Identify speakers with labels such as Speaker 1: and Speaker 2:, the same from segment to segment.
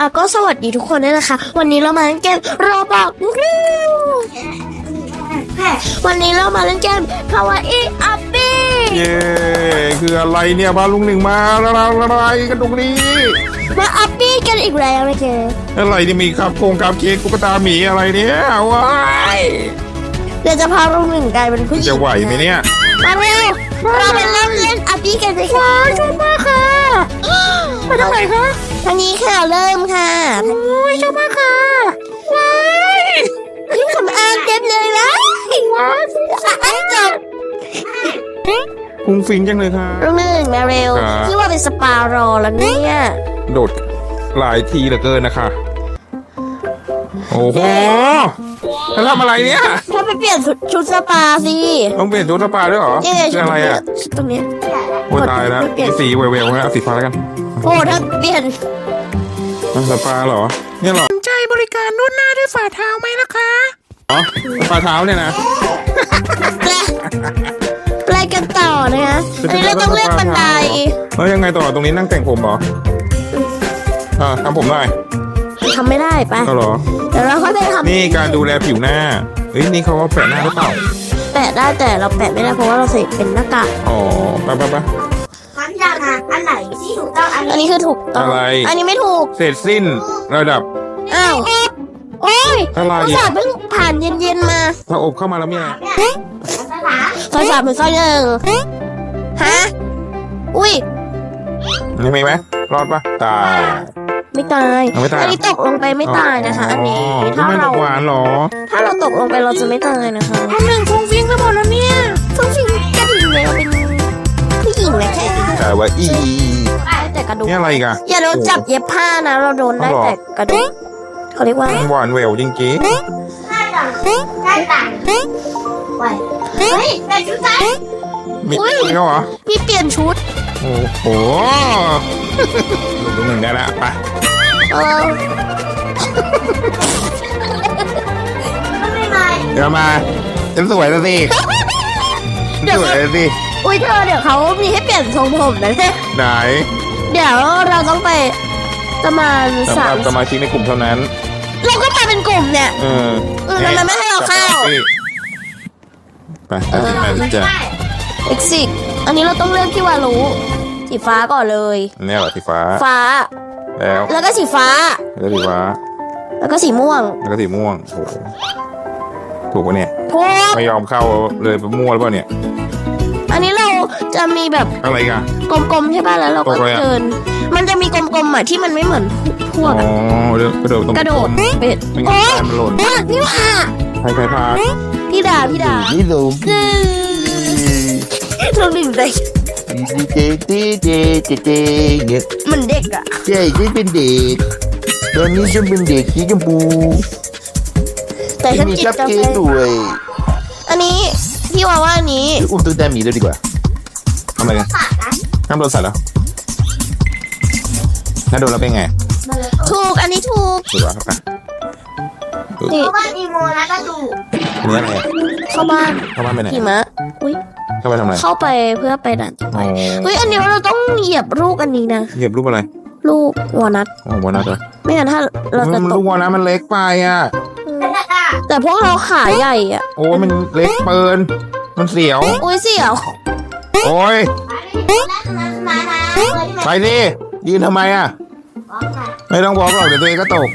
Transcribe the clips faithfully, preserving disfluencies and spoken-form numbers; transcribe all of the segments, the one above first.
Speaker 1: อ่ะก็สวัสดีทุกคนด้วยนะคะวันนี้เรามาเล่นเกมโรบอกวันนี้เรามาเล่นเกมคาวาอิอัปปี้
Speaker 2: เย้คืออะไรเนี่ยพาลุงหนึ่งมาอะไรกันตรงนี้
Speaker 1: มาอัปปี้กันอีกแล้วนะเกม
Speaker 2: อะไรที่มีครับโครงครับเค้กตุ๊กตาหมีอะไรเนี่ยว้าย
Speaker 1: เดี๋ยวจะพาลุงหนึ่งกลายเป็นผู้หญิง
Speaker 2: จะไหวไหมเนี่ย
Speaker 1: มาเร็วเราไปเล่นเล่นอัปปี้กันเลยค่ะชอบมากค่ะไปทางไหนคะทางนี้ค่ะเริ่มค่ะโอ้ยชอบมากค่ะว้ายนี่คำอ่านเต็มเลยนะว้ายอ่านจบ
Speaker 2: ฟุ้งฟิ้งจังเลยค่ะ
Speaker 1: ลุงหนึ่งมาเร็ว
Speaker 2: ครับ
Speaker 1: ที่ว่าเป็นสปารอแล้วเนี่ย
Speaker 2: โดดหลายทีเหลือเกินนะคะโอ้โหแล้วทำอะไรเนี่ย
Speaker 1: ถ้าไปเปลี่ยนชุดชุดสปาสิ
Speaker 2: ต้องเปลี่ยนชุดสปาด้วยเหรอ
Speaker 1: นี่ไง
Speaker 2: คืออะไรอ่ะ
Speaker 1: ชุดตรงนี้
Speaker 2: โอ้ตายแล้ว
Speaker 1: เปลี่ยน
Speaker 2: สีเวลๆนะเอาสีฟ้าแล้วกัน
Speaker 1: โอ้ถ้าเปลี่ยน
Speaker 2: สปาเหรอเนี่ยเหรอ
Speaker 3: สนใจบริการนวดหน้าด้วยฝ่าเท้าไหมล่ะคะ
Speaker 2: อ๋อสปาเท้าเนี่ยนะ
Speaker 1: แปลแปลกันต่อนะคะอันนี้เราต้องเลือกบันได
Speaker 2: แล้วยังไงต่อตรงนี้นั่งแต่งผมเหรออ่าทำผมได้
Speaker 1: ทำไม่ได้ไป
Speaker 2: ก็เหรอ
Speaker 1: เดี๋ยวเราค่อยไปท
Speaker 2: นี่การดูแลผิวหน้าเฮ้ยนี่เขาว่าแปะหน้าหรือเปล่า
Speaker 1: ำแปะได้แต่เราแปะไม่ได้เพราะว่าเราใส่เป็นหน้ากาก
Speaker 2: อ๋อไปไปไป
Speaker 4: พันยานะอันไหนที่ถูกต้องอัน
Speaker 1: อัน
Speaker 4: นี้
Speaker 1: นี้คือถูกต้อง
Speaker 2: อะไร
Speaker 1: อันนี้ไม่ถูก
Speaker 2: เสร็จสิ้นระดับ
Speaker 1: อ้าวโอ้ย
Speaker 2: อะไร
Speaker 1: ภาษาเพิ่งผ่านเย็นๆมา
Speaker 2: ถ้าอบเข้ามาแล้วมีอะไร
Speaker 4: เนี่ยภาษา
Speaker 1: ซอยสามหรือซอยหนึ่งฮะอุ้ย
Speaker 2: ยังมีไหมรอดปะตาย
Speaker 1: ไม่ตาย
Speaker 2: เอาไม่ตาย
Speaker 1: อันนี้ตกลงไปไม่ตายนะคะ อันนี้
Speaker 2: ถ้า
Speaker 1: ถ้า
Speaker 2: ไม่ต
Speaker 1: เรา
Speaker 2: กหวานเหรอ
Speaker 1: ถ้าเราตกลงไปเราจะไม่ตายนะคะ
Speaker 3: หนึ่งคงฟิ้งไปหมดแล้วเนี่ย
Speaker 1: ฟุ้งฟิ้งกระดิ่งเลยเราเป็นผู้หญิงนะแค่
Speaker 2: แต่ว่าอี
Speaker 1: แต่กระดูก
Speaker 2: นี่อะไรอีกัน
Speaker 1: อย่าโดนจับเย็บผ้านะเราโดนได้
Speaker 2: เอาหรอ
Speaker 1: แต่กระดูกเขาเรียกว่า
Speaker 2: หวานแหววจริง
Speaker 4: หน้าต่างหน้าต่างไว้เฮ้ยแต่ชุดใจ
Speaker 2: ๆมีมีเขาเหรอ
Speaker 1: พี่เปลี่ยนชุด
Speaker 2: โอ้โหลูกหนึ่งได้แล้วไป
Speaker 1: เออ
Speaker 4: ก็ไม่มา
Speaker 2: เดี๋ยวมาฉันสวยแล้วสิฉันสวยแล้วสิ
Speaker 1: อุ้ยเธอเดี๋ยวเขามีให้เปลี่ยนทรงผมนะเนี่ย
Speaker 2: ไหน
Speaker 1: เดี๋ยวเราต้องไปประมาณ
Speaker 2: สำห
Speaker 1: สา
Speaker 2: รั
Speaker 1: ม
Speaker 2: บสมาชิกในกลุ่มเท่านั้น
Speaker 1: เราก็ไปเป็นกลุ่มเนี่ย
Speaker 2: เออ
Speaker 1: เออมันไม่ให้เราเข้า
Speaker 2: ไปตัดสินใจจ้ะ
Speaker 1: exit อันนี้เราต้องเลือกที่วารุสีฟ้าก่อนเลย
Speaker 2: เนี่ยเหรอสีฟ้า
Speaker 1: ฟ้า
Speaker 2: แล้ว
Speaker 1: แล้วก็สีฟ้า
Speaker 2: แล้วสีฟ้า
Speaker 1: แล้วก็สีม่วง
Speaker 2: แล้วก็สีม่วงโอ้โหถูกปะเนี่ย
Speaker 1: ถูก
Speaker 2: ไม่ยอมเข้าเลยไปมั่วหรือเปล่าเนี่ย
Speaker 1: อันนี้เราจะมีแบบ
Speaker 2: อะไรกัน
Speaker 1: กลมๆใช่ป่ะแล้วเราก็
Speaker 2: ตกเลยอะ
Speaker 1: เดิน มันจะมีกลมๆอ่ะที่มันไม่เหมือนพว
Speaker 2: อ๋
Speaker 1: กอะ
Speaker 2: อเดี๋ยวกระโดดตรง
Speaker 1: กระโดด
Speaker 2: ไม่
Speaker 1: เป็ด
Speaker 2: งั้น
Speaker 1: โอ๊ย
Speaker 2: ตายมันหล่น
Speaker 1: อ่ะพี่ว่า
Speaker 2: ใครใครพา
Speaker 1: พี่ดาพี่ดา
Speaker 5: นี่ลูก
Speaker 1: เราหนึ่งเลย
Speaker 5: เจ๊เจ๊เจ๊เจ๊เจ๊เนี่ย
Speaker 1: เหมือนเด็กอ่ะ
Speaker 5: ใช่ฉันเป็นเด็กตอนนี้ฉันเป็นเด็กสีชมพู
Speaker 1: แต่ฉัน
Speaker 5: มี
Speaker 1: จิต
Speaker 5: คัพ
Speaker 1: กา
Speaker 5: เค้
Speaker 1: แฟ
Speaker 5: กด้วย
Speaker 1: อันนี้พี่ว่าว่าอันนี้
Speaker 5: อุ้มตัวตาหมีเลยดีกว่า
Speaker 2: ทำอะไรกันห้ามโดนสัตว์เหรอถ้าโดนแล้วเป็นไง
Speaker 1: ถูกอันนี้ถูก
Speaker 2: ถูกปะครับ
Speaker 1: นี่
Speaker 4: เพราะว่าอีโมนะก็ดู
Speaker 2: อันนี้อะไรอะ
Speaker 1: เข้าบ้าน
Speaker 2: เข้าบ้านไปไหน
Speaker 1: หิมะอุ้ย
Speaker 2: เข้าไปทำอะไร
Speaker 1: เข้าไปเพื่อไปด่านต่อไป
Speaker 2: อ๋อ
Speaker 1: เฮ้ยอันนี้เราต้องเหยียบลูกอันนี้นะ
Speaker 2: เหยียบรูปอะไร
Speaker 1: ลูกวอลนัท
Speaker 2: อ๋อวานัทเหรอ
Speaker 1: ไม่งั้นถ้าเราจะ
Speaker 2: มัน
Speaker 1: ต
Speaker 2: ลู
Speaker 1: ก
Speaker 2: กวานัทมันเล็กไปอ่ะ
Speaker 1: แต่พวกเราขาใหญ่อ่ะ
Speaker 2: โอ้ยมันเล็กเปินมันเสียว
Speaker 1: อุ้ยเสียว
Speaker 2: โอ้ย
Speaker 4: มานะเลยที่
Speaker 2: ไปดิยืนทำไมอ่ะ
Speaker 4: ไหน
Speaker 2: ไม่ต้องบอกหรอกเดี๋ยวตัวเองก็ตก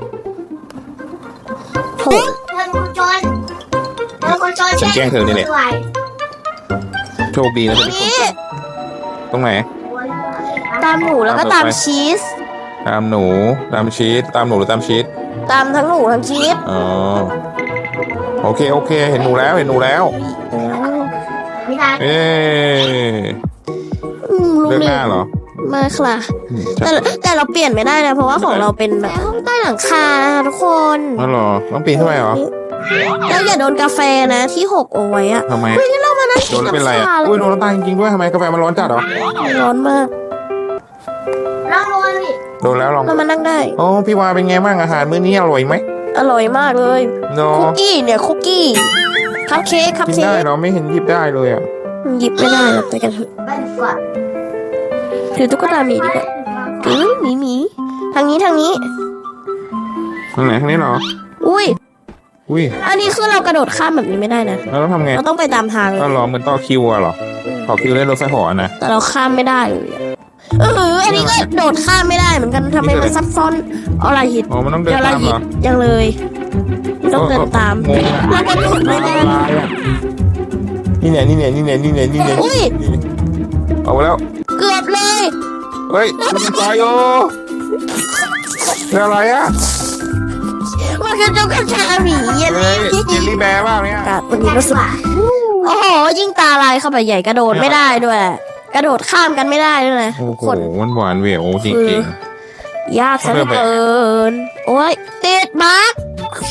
Speaker 1: โถ
Speaker 4: เธอคุณจนเธอคุณจน
Speaker 2: ฉันแกล้งเธอนี่แหละ โชคดีนะ
Speaker 1: อั
Speaker 2: ที่
Speaker 1: น
Speaker 2: เป็นคน
Speaker 1: นี้
Speaker 2: ตกตรงไหน
Speaker 1: ตามหนูแล้วก็ตามชีส
Speaker 2: ตามหนูตามชีสตามหนูหรือตามชีส
Speaker 1: ตามทั้งหนูทั้งชีส
Speaker 2: อ๋อโอเคโอเค เห็นหนูแล้วเห็นหนูแล้ว
Speaker 4: ไม่ได้
Speaker 2: เอ๊ะ
Speaker 1: อืมลุง
Speaker 2: เลือก
Speaker 1: ห
Speaker 2: ห
Speaker 1: นึ่
Speaker 2: น้าง เหรอ
Speaker 1: มาค่ะ
Speaker 2: อืม
Speaker 1: แต่แต่เราเปลี่ยนไม่ได้นะเพราะว่าของเราเป็นแบบห้องใต้หลังคานะคะทุกคน
Speaker 2: อ๋อเหรอต้องปีนขึ้นไปเหรอ
Speaker 1: แล้วอย่าโดนกาแฟนะที่หกเอาไว้อะ
Speaker 2: ทำไม
Speaker 1: เฮ้ยนี่เรามานั่ง
Speaker 2: โดนแล้วเป็นไรอ่ะ
Speaker 1: ำชา
Speaker 2: อุ้ยโดนแล้วตายจริงๆด้วยทำไมกาแฟมันร้อนจัดเหรอ
Speaker 1: ร้อนมาก
Speaker 4: ลองดูดิ
Speaker 2: โดนแล้วลอง
Speaker 1: เรามานั่งได้
Speaker 2: โอ้พี่วาเป็นไงบ้างอาหารมื้อนี้อร่อยไหม
Speaker 1: อร่อยมากเลย
Speaker 2: โน
Speaker 1: คุกกี้เนี่ยคุกกี้คัพเค้กคัพ
Speaker 2: กิน
Speaker 1: เค้
Speaker 2: ได้
Speaker 1: ก
Speaker 2: เหรอไม่เห็นหยิบได้เลยอ่ะ
Speaker 1: หยิบไม่ได้หรอกไปกันเถอะ
Speaker 4: ไปดีกว่า
Speaker 1: ถือตุ๊กตาหมีดีกว่าถือหมีหมีททางนี้ทางนี้
Speaker 2: ทางไหนทางนี้เหรอ
Speaker 1: อุ้ย
Speaker 2: อุ้ย
Speaker 1: อันนี้คือเรากระโดดข้ามแบบนี้ไม่ได้นะ
Speaker 2: แล้วเราทำไง
Speaker 1: เราต้องไปตามทางเลย
Speaker 2: ก็รอเหมือนต่อคิวอะเหรอต่อคิวเล่นรถไฟเหอนะ
Speaker 1: แต่เราข้ามไม่ได้เลยอะเอออันนี้ก็โดดข้ามไม่ได้เหมือนกันทำไมมันซับซ้อนอะไรหิด
Speaker 2: อ๋อมันต้องเดิน
Speaker 1: เดี๋ยวเรา
Speaker 2: ตาม
Speaker 1: หิ
Speaker 2: เหร
Speaker 1: ด
Speaker 2: อ
Speaker 1: ยังเลยต้องเดินตาม
Speaker 2: งงอะ
Speaker 1: แล้วก็หลุดไม่ได้
Speaker 2: นี่เนี่ยนี่เนี่ยนี่เนี่ยนี่เนี่ยนี่เนี่ย
Speaker 1: อุ้ย
Speaker 2: เอาไปแล้ว
Speaker 1: เกือบเลย
Speaker 2: เฮ้ยมันตายโอ้เป็นอะไรอ่ะ
Speaker 1: มันคือเจ้ากระชาหมีเย็น
Speaker 2: เฮ้ยเจลลี่แบร์บ้างเนี่ย
Speaker 1: กัดวันนี้รู้สึกโอ้โหยิ่งตาลายเข้าไปใหญ่กระโดดไม่ได้ด้วย กระโดดข้ามกันไม่ได้ด้วยนะ
Speaker 2: โอ้โห
Speaker 1: คน
Speaker 2: มันหวานเหววจริง
Speaker 1: ยากซะเหลือเกินโอ้ยติดบั๊ก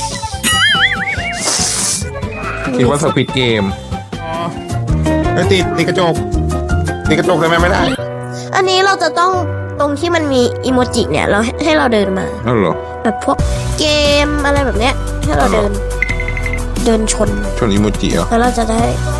Speaker 2: ๆคิดว่าสควิดเกมไม่ติดติดกระจกติดกระจกทำไมไม่ได้
Speaker 1: อันนี้เราจะต้องตรงที่มันมีอีโมจิเนี่ยเราให้เราเดินมา
Speaker 2: นั่นเหรอ
Speaker 1: แบบพวกเกมอะไรแบบเนี้ยให้เราเดิน เดินชน
Speaker 2: ชนอิโมจิเหรอ
Speaker 1: แล้วเราจะได้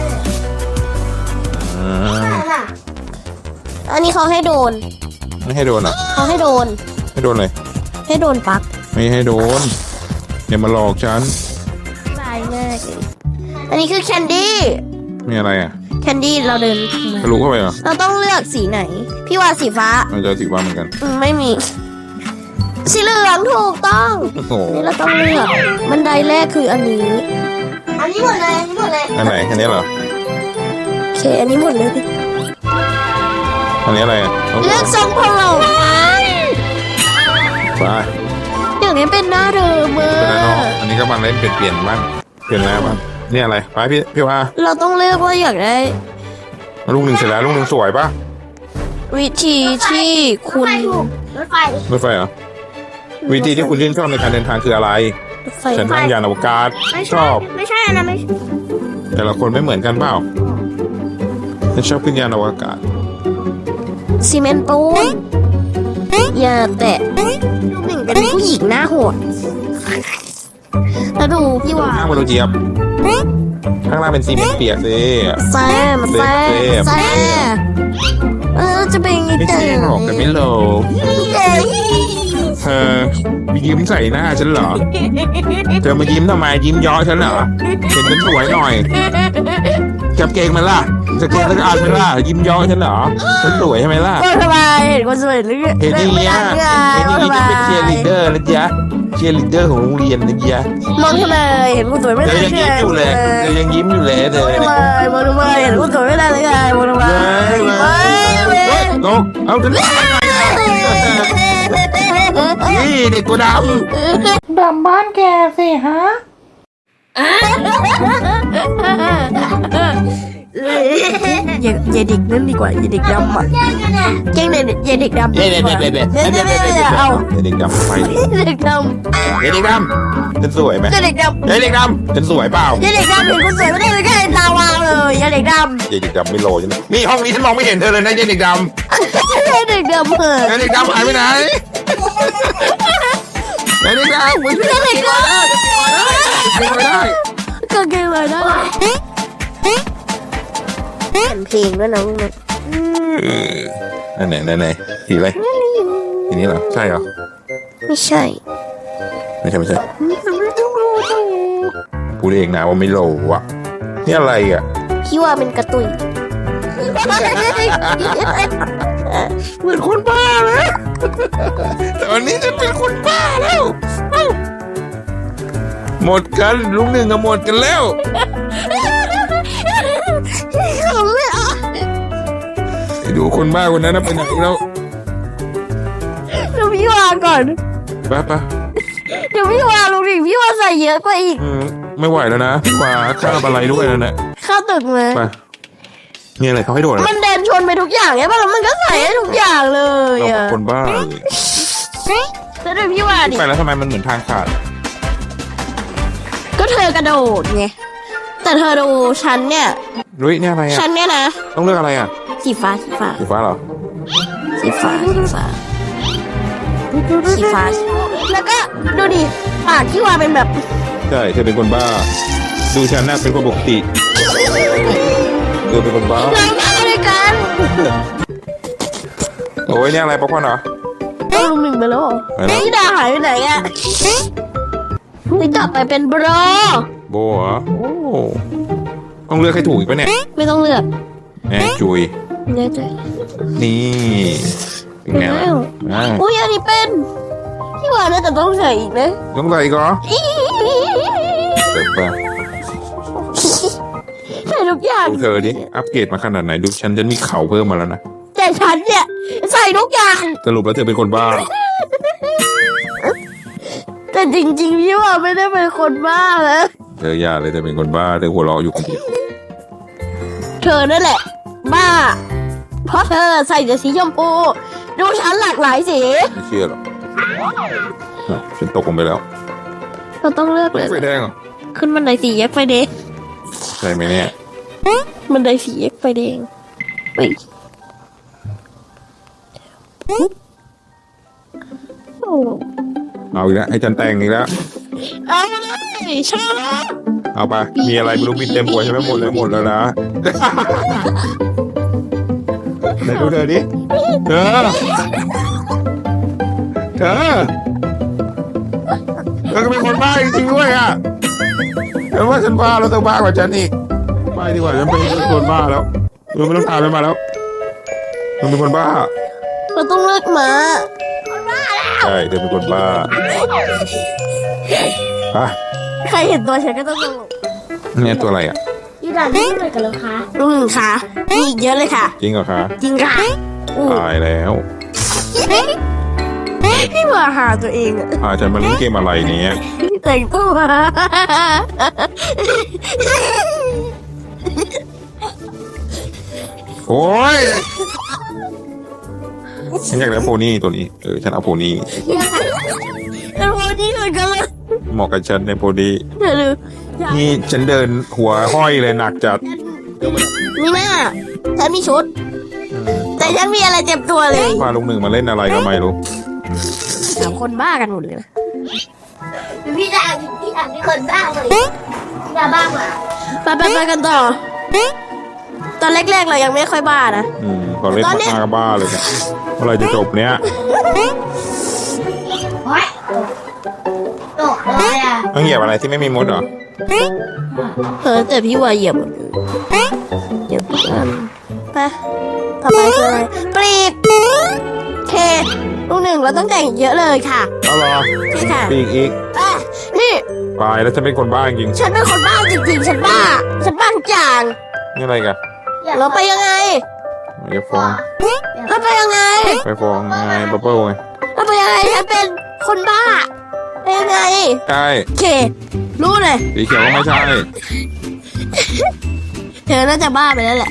Speaker 2: อ่า
Speaker 1: อันนี้เขาให้โดน
Speaker 2: ไม่ให้โดนอ่ะ
Speaker 1: เขาให้โดน
Speaker 2: ให้โดนเลย
Speaker 1: ให้โดนปลั๊ก
Speaker 2: ไม่ให้โดนอย่ามาหลอกฉัน
Speaker 1: ตายมากเลยอันนี้คือแคนดี้
Speaker 2: มีอะไรอ่ะ
Speaker 1: แคนดี้เราเดินมา
Speaker 2: ทะลุเข้าไปเหรอ
Speaker 1: เราต้องเลือกสีไหน พี่ว่าสีฟ้า
Speaker 2: มันจะสีฟ้าเหมือนกัน
Speaker 1: อืมไม่มี สีเหลืองถูกต้อง
Speaker 2: โอ้โห
Speaker 1: นี่เราต้องเลือกบันไดแรกคืออันนี้
Speaker 4: อันนี้หมดเลยอันนี้หมดเลย
Speaker 2: อันไหนอันนี้เหรอ
Speaker 1: โอเค อันนี้หมดเลย
Speaker 2: อันนี้อะไรอ่ะา
Speaker 1: เลือกทรงผม
Speaker 2: ไป
Speaker 1: อย่างนี้เป็นหน้าเดิมเอ
Speaker 2: เป็นอะไรเนาะ
Speaker 1: อ
Speaker 2: อันนี้ก็มาเล่นเปลี่ยนเปลี่ยนบ้างเปลี่ยนหน้าบ้างนี่อะไรไปพี่พี่ว่า
Speaker 1: เราต้องเลือกว่าอยากได้
Speaker 2: ลูกหนึ่งเสร็จแล้วลูกหนึ่งสวยปะ
Speaker 1: วิธีที่คุณ
Speaker 4: รถไฟ
Speaker 2: รถไฟเหรอวิธีที่คุณชื่นชอบในการเดินทางคืออะไร
Speaker 1: รถไฟ
Speaker 2: ฉันนั่งยานอวกาศ
Speaker 4: ไม่
Speaker 2: ช
Speaker 4: ใช่
Speaker 2: อบ
Speaker 4: ไม่ใช่นะไม่ใช่
Speaker 2: แต่ละคนไม่เหมือนกันเปล่าฉันชอบขึ้นยานอวกาศ
Speaker 1: ซีเมนต์ปูนอย่าแตะลูกหนึ่งเป็นผู้หญิงหน้าโหดแล้วดูพี่ว่า
Speaker 2: ข้างบนรถเจี๊ยบข้างล่างเป็นซีเมนต์เปียกสิ
Speaker 1: แซมแซมแซมเออจะเป็นยังไง
Speaker 2: ไม่
Speaker 1: เต๋
Speaker 2: ใช่หรอกแต่ไม่โลเธอมียิ้มใส่หน้าฉันเหรอเธอมายิ้มทำไมยิ้มเย้อฉันเหรอเห็นฉันสวยหน่อยจับเกงมันล่ะจะเกงแล้วก็อ่านมันล่ะยิ้มเย้อฉันเหรอฉันสวยใช่ไหมล่ะ
Speaker 1: ก็ทำไมเห็นคนสวยหรือ
Speaker 2: เห็นอย่างเงี้ย
Speaker 1: ไง
Speaker 2: เห็นอย่างนี้
Speaker 1: ทำไม
Speaker 2: จะเป็นเชียร์ลีดเดอร์นะจ๊ะเชียร์ลีดเดอร์ของโรงเรียนนะจ๊ะ
Speaker 1: มองทำไมเห็นคนสวยไม่
Speaker 2: เธ
Speaker 1: ได้
Speaker 2: อยังยิ้มอยู่เลยเธอยังยิ้มอยู่เลยเธอ
Speaker 1: มองทำไมมองทำไมเห็นคนสวยไม่ได้เลยไงมองทำไม
Speaker 2: เว้ยเว้ย
Speaker 1: เว้ย
Speaker 2: เฮ้ยนกเอาฉันนี่เด็กตัวด
Speaker 3: ดำบ้านแกสิฮะ
Speaker 1: อย่าอย่าเด็กนั่นดีกว่าอย่าเด็กดำอ่ะเก่งเลยอย่าเด็กดำ
Speaker 2: ำเด็กเด็กเด็กเด็กเด็ก
Speaker 1: เด็ก
Speaker 2: เด็ก
Speaker 1: เด็
Speaker 2: เด็
Speaker 1: ก
Speaker 2: ก
Speaker 1: เอา
Speaker 2: เด็กดำไป
Speaker 1: เด็กด
Speaker 2: เด็กดำฉันสวยไหม
Speaker 1: ำอย่าเด็กดำ
Speaker 2: เด็กดำฉันสวยเปล่า
Speaker 1: อย่าเด็กดำเห็นคนสวยไม่ได้เลยแค่ตาวาวเลยอย่าเด็กดำ
Speaker 2: เด็กดำไม่โลใช่ไหมนี่ห้องนี้ฉันมองไม่เห็นเธอเลยนะเด็กดำ
Speaker 1: อย่าเด็กดำเหอะ
Speaker 2: เด็กดำหายไปไหนเด็กดำมัน
Speaker 1: อย่าเด็กด
Speaker 2: ไม่ได้
Speaker 1: ำก็เก่งเลยนะเปลี่ยนเพลงด้วยนะลูกนะ
Speaker 2: นั่นไหนนั่นไหนสีอะไรสีนี้เหรอใช่เหรอ
Speaker 1: ไม่ใช่
Speaker 2: ไม่ใช่ไม่ใช่พูดเองนะว่าไม่โลอ่ะนี่อะไรอ่ะ
Speaker 1: พี่ว่าเป็นกระตุย
Speaker 2: เหมือนคนบ้าเลยแต่วันนี้จะเป็นคนบ้าแล้วหมดกันลุงหนึ่งก็หมดกันแล้ว
Speaker 1: เขาไม่เอา
Speaker 2: ไปดูคนบ้าคนนั้นนะไปไหนแล้ว
Speaker 1: เดี๋ยวพี่วาก่อน
Speaker 2: ไปไป
Speaker 1: เดี๋ยวพี่วาลูกดิพี่วาใส่เยอะกว่าอีก
Speaker 2: อืมไม่ไหวแล้วนะพี่ว่าข้าวอะไรด้วยแล้วนะ
Speaker 1: เข้าตึกเลย
Speaker 2: ไปนี่อะไรเขาให้โดดอะไร
Speaker 1: มันเดินชนไปทุกอย่างใช่ป่ะแล้วมันก็ใส่ให้ทุกอย่างเลย
Speaker 2: เรา
Speaker 1: อ่ะ
Speaker 2: คนบ้าเลย
Speaker 1: แล้วเดี๋ยวพี่วาดิ
Speaker 2: ไปแล้วทำไมมันเหมือนทางขาด
Speaker 1: ก็เธอกระโดดไงแต่เธอดูฉันเนี่ย
Speaker 2: รุ้ยนี่อะไรอ่ะ
Speaker 1: ฉันเนี่ยนะ
Speaker 2: ต้องเลือกอะไรอ่ะ
Speaker 1: สีฟ้าสีฟ้า
Speaker 2: สีฟ้าเหรอ
Speaker 1: สีฟ้าสีฟ้าสีฟ้าแล้วก็ดูดิปากที่วาเป็นแบบ
Speaker 2: ใช่เธอเป็นคนบ้า ดูฉันน่ะเป็นคนปกติเธอเป็นคนบ้า
Speaker 1: ล้างหน้าด้วยกัน
Speaker 2: โอ้ยนี่อะไรป๊อปคอร์นเหรอ
Speaker 1: เอเอาลุงหนึ่งไปแล้วเหรอ
Speaker 2: ไปแล้ว
Speaker 1: นี่ดาหายไปไหนอ่ะนี่กลับไปเป็นโบร
Speaker 2: โบเหรอโอ้ต้องเลือกให้ถูกอีกปะเนี่ย
Speaker 1: ไม่ต้องเลือก
Speaker 2: แน่จุย
Speaker 1: แน่ใจ
Speaker 2: นี่เป็นไงล่ะอ่า
Speaker 1: อุ้ยอันนี้เป็นพี่ว่าน่าจะต้องใส่อีกนะ
Speaker 2: ต้องใส่อีก็เสร็จปะ
Speaker 1: ใส่ทุกอย่าง
Speaker 2: ดูเธอดิอัปเกรดมาขนาดไหนดูฉันจะมีเข่าเพิ่มมาแล้วนะ
Speaker 1: แต่ฉันเนี่ยใส่ทุกอย่าง
Speaker 2: สรุปแล้วเธอเป็นคนบ้า
Speaker 1: แต่จริงๆพี่ว่าไม่ได้เป็นคนบ้านะ
Speaker 2: เธออย่าเลยเธอเป็นคนบ้าเธอหัวเราะอยู่คนเดียว
Speaker 1: เธอนั่นแหละ บ้า เพราะเธอใส่แต่สีชมพูดูฉันหลากหลายสี
Speaker 2: ไม่เชื่อหรอกอ่ะฉันตกลงไปแล้ว
Speaker 1: เราต้องเลือกเลย
Speaker 2: ไฟแดงเหรอ
Speaker 1: ขึ้นบันไดสีแยกไฟแดง
Speaker 2: ใช่ไหมเนี่ย
Speaker 1: บันไดสีแยกไฟแดงเฮ้ยโอ้
Speaker 2: เอาอีกแล้วให้ฉันแต่งอีกแล้ว
Speaker 1: เอาเลยชอบ
Speaker 2: เอาไปมีอะไรไม่รู้มีเต็มหัวใช่ไหมหมดเลยหมดแล้วนะไหนดูเธอดิเธอเธอเธอก็เป็นคนบ้าจริงๆด้วยอ่ะเธอว่าฉันบ้าแล้วเธอบ้ากว่าฉันอีกไปดีกว่าฉันเป็นคนบ้าแล้วเธอไม่ต้องพาฉันมาแล้วเธอเป็นคนบ้า
Speaker 1: เราต้องเลือกหมา
Speaker 2: ใช่เธอเป็นคนบ้าอ่ะ
Speaker 1: ใครเห็นตัวฉันก็ต้องตลก
Speaker 2: เนี่ยตัวอะไรอ่ะ
Speaker 4: พี่ดานี่อะไรกันแล้วคะ
Speaker 1: ลุงหนึ่งค่ะมีอีกเยอะเลยค่ะ
Speaker 2: จริงเหรอคะ
Speaker 1: จริงค่ะอู้
Speaker 2: ตายแล้ว
Speaker 1: พี่มาหาตัวเองอะ
Speaker 2: พาฉันมาเล่นเกมอะไรเนี้ย
Speaker 1: แต่งตัว
Speaker 2: โอ้ยฉันอยากได้โพนี่ตัวนี้เออฉันเอาโพนี่
Speaker 1: แล้ววันนี้เหมือนกันเลย
Speaker 2: เหมาะกับฉันในโพนี่
Speaker 1: เดี๋ยวดู
Speaker 2: นี่ฉันเดินหัวห้อยเลยหนักจัด
Speaker 1: มีหน้าฉันมีชุด แต่ฉันมีอะไรเจ็บตัวเลย
Speaker 2: พาลุงหนึ่งมาเล่นอะไรก็ไม่รู้
Speaker 1: สามคนบ้ากันหมดเลยนะ
Speaker 4: พี่ดาพี่ดาเป็นคนบ้าเลยพี่ดาบ้ากว่า
Speaker 1: ไปไปไปกันต่อ ตอนแรกๆเรายังไม่ค่อยบ้านะ
Speaker 2: อืมพอเล่น
Speaker 1: ตอนเนี้ย
Speaker 2: มากๆก็บ้าเลยเนี่ยเมื่อไหรจะจบเนี้ย
Speaker 4: โอ๊ยตกเลยอ่ะ
Speaker 2: ต้องเหยียบอะไรที่ไม่มีมดเหรอ
Speaker 1: เออแต่พี่ว่าเหยียบหมดเลยเหยียบทุกอันไปต่อไปคืออะไรปลีกเคลูกหนึ่งเราต้องแต่งเยอะเลยค่ะ
Speaker 2: เอาเหรอ
Speaker 1: ใช่ค่ะ
Speaker 2: ปีกอีก
Speaker 1: อ่ะนี่
Speaker 2: ตายแล้วฉันเป็นคนบ้าจริง
Speaker 1: ฉันเป็นคนบ้าจริงๆ ฉันบ้า ฉันบ้าทุกอย่าง
Speaker 2: ๆนี่อะไรกัน
Speaker 1: เราไปยังไง
Speaker 2: อย่าฟ้อง
Speaker 1: เราไปยังไง
Speaker 2: ไปฟ้องไงบับเบิ้ลไง
Speaker 1: เราไปยังไง ฉันเป็นคนบ้าไปยังไง
Speaker 2: ใช่
Speaker 1: โอเค รู้เลย
Speaker 2: สีเขียวก็ไม่ใช่
Speaker 1: เธอน่าจะบ้าไปแล้วแหละ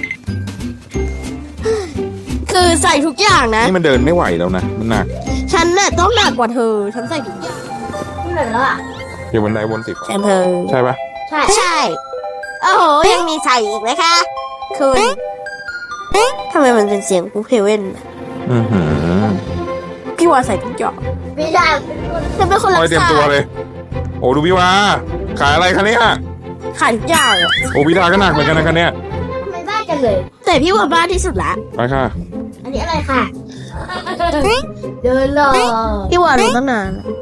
Speaker 1: คือใส่ทุกอย่างนะ
Speaker 2: นี่มันเดินไม่ไหวแล้วนะมันหนัก
Speaker 1: ฉันน่ะต้องหนักกว่าเธอ ฉันใส่ทุกอย่าง
Speaker 4: ที่ไหนแล้วอ่ะ
Speaker 2: อยู่บนไดบนสิบ
Speaker 1: แทนเธอ
Speaker 2: ใช่ปะ
Speaker 4: ใช่
Speaker 1: ใช่ โอ้โห ยังมีใส่อีกนะคะคุณทำไมมันเป็นเสียงกูเพเว่นน่ะ
Speaker 2: อือหือ
Speaker 1: พี่ว่าใส่ทุกอย่าง
Speaker 4: พี่ดาเป็นคน
Speaker 1: เธอเป็นคน
Speaker 2: ค
Speaker 1: รั
Speaker 2: อย
Speaker 1: ก
Speaker 2: เตรียม
Speaker 1: ษา
Speaker 2: ตัวเลย โอ้ดูพี่วาขายอะไรคะเนี่ย
Speaker 1: ขายทุกอย่างอะ
Speaker 2: โอ้พี่ดาก็หนักเหมือนกันนะคะเนี่ย
Speaker 4: ทำไมบ้าจังเลย
Speaker 1: แต่พี่ว่าบ้าที่สุดละ
Speaker 2: ไปค่ะ
Speaker 4: อันนี้อะไรค่ะ เดินรอ
Speaker 1: พี่ว่ารู้ตั้งนานแล้ว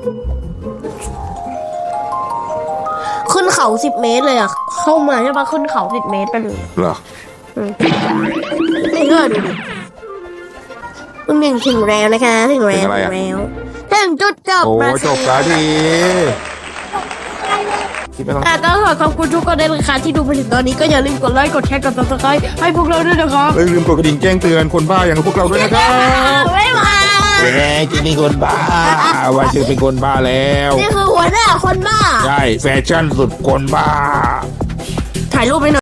Speaker 1: ขึ้นเขาสิบเมตรเลยอ่ะ เข้ามาใช่ปะขึ้นเขาสิบเมตรไปเลย
Speaker 2: เหรอ
Speaker 1: ไม่เชื่อดูดิมึงหนึ่งถึงแล้วนะคะ ถึงแล้ว
Speaker 2: ถึงอะไร
Speaker 1: ถึ
Speaker 2: อะ
Speaker 1: งแล้วถึงจุดจบ
Speaker 2: โอ้
Speaker 1: มา
Speaker 2: จบแล้วทีที่ไม่ต้อง
Speaker 1: อ่ะก็ขอขอบคุณทุกคนด้วยนะคะที่ดูมาถึงตอนนี้ก็อย่าลืมกดไลค์กดแชร์กด ซับสไครบ์ ให้พวกเราด้วยนะครับ
Speaker 2: เอ้ยลืมกดกระดิ่งแจ้งเตือนคนบ้าอย่างพวกเราด้วยนะครับ
Speaker 1: บ๊ายบาย
Speaker 2: เป็นไงจะเป็นคนบ้าว่าจะเป็นคนบ้าแล้ว
Speaker 1: นี่คือหัวหน้าคนบ้า
Speaker 2: ใช่แฟชั่นสุดคนบ้า
Speaker 1: ถ่ายรูปไปหน่อย